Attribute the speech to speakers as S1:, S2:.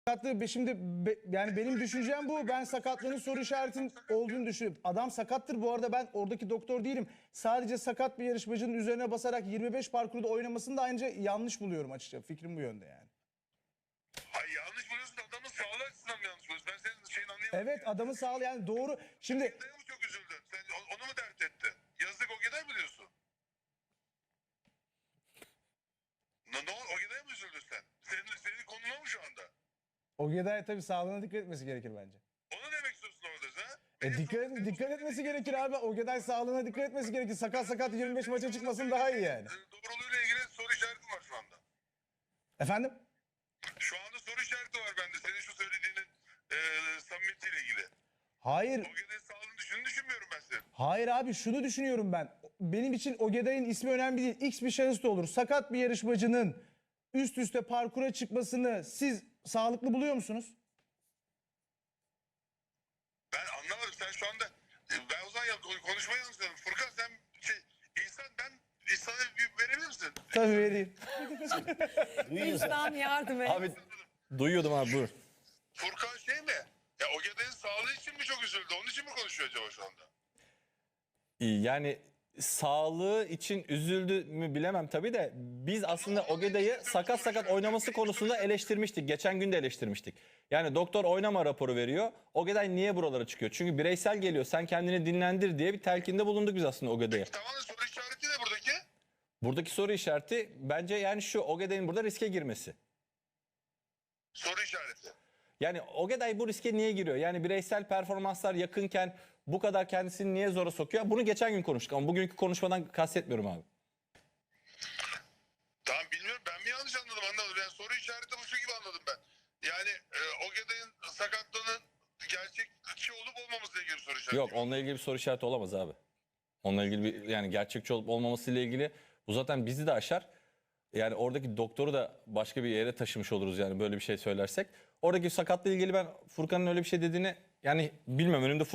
S1: Şimdi yani benim düşüncem bu. Ben sakatlığının soru işaretin olduğunu düşünüyorum. Adam sakattır bu arada, ben oradaki doktor değilim. Sadece sakat bir yarışmacının üzerine basarak 25 parkurda oynamasını da ayrıca yanlış buluyorum açıkçası. Fikrim bu yönde yani.
S2: Hayır, yanlış buluyorsun, adamın sağlığı açısından mı yanlış buluyorsun? Ben senin şeyini anlayamadım.
S1: Evet, adamı sağ yani doğru. Şimdi
S2: Ogeday'a mı çok üzüldün? Sen onu mu dert ettin? Yazık Ogeday mı diyorsun? Ne oldu? Ogeday'a mı üzüldün sen? Senin konuna mı şu anda?
S1: Ogeday'a tabii sağlığına dikkat etmesi gerekir bence.
S2: Onu demek istiyorsun orada sen?
S1: Dikkat etmesi gerekir abi. Ogeday sağlığına dikkat etmesi gerekir. Sakat 25 maça çıkmasın daha iyi yani.
S2: Doğruluğuyla ilgili soru işareti var şu anda.
S1: Efendim?
S2: Şu anda soru işareti var bende. Senin şu söylediğinin samimiyetiyle ilgili.
S1: Hayır.
S2: Ogeday'ın sağlığını düşünmüyorum ben senin.
S1: Hayır abi, şunu düşünüyorum ben. Benim için Ogeday'ın ismi önemli değil. X bir şahıs da olur. Sakat bir yarışmacının üst üste parkura çıkmasını siz sağlıklı buluyor musunuz?
S2: Ben anlamadım. Sen şu anda ben o zaman konuşmayı yanlış anladım. Furkan sen İhsan'a bir verebilir misin?
S1: Tabii vereyim.
S3: İhsan yardım et.
S4: Abi duyuyordum abi, buyur.
S2: Furkan şey mi? Ya Ogeday'ın sağlığı için mi çok üzüldü? Onun için mi konuşuyor acaba şu anda?
S4: Yani sağlığı için üzüldü mü bilemem tabii de biz aslında Ogeday'ı sakat oynaması konusunda eleştirmiştik. Geçen gün de eleştirmiştik. Yani doktor oynama raporu veriyor. Ogeday niye buralara çıkıyor? Çünkü bireysel geliyor. Sen kendini dinlendir diye bir telkinde bulunduk biz aslında Ogeday'a.
S2: Tamam da soru işareti ne buradaki?
S4: Buradaki soru işareti bence yani şu: Ogeday'ın burada riske girmesi.
S2: Soru işareti.
S4: Yani Ogeday bu riske niye giriyor? Yani bireysel performanslar yakınken bu kadar kendisini niye zora sokuyor? Bunu geçen gün konuştuk ama bugünkü konuşmadan kastetmiyorum abi.
S2: Tamam, bilmiyorum, ben mi yanlış anladım Yani soru işareti bu şu gibi anladım ben. Yani Ogeday'ın sakatlığının gerçekçi olup olmamasıyla ilgili soru işareti.
S4: Yok, onunla ilgili bir soru işareti olamaz abi. Onunla ilgili bir, yani gerçekçi olup olmamasıyla ilgili bu zaten bizi de aşar. Yani oradaki doktoru da başka bir yere taşımış oluruz yani böyle bir şey söylersek. Oradaki sakatla ilgili ben Furkan'ın öyle bir şey dediğini yani bilmem, önümde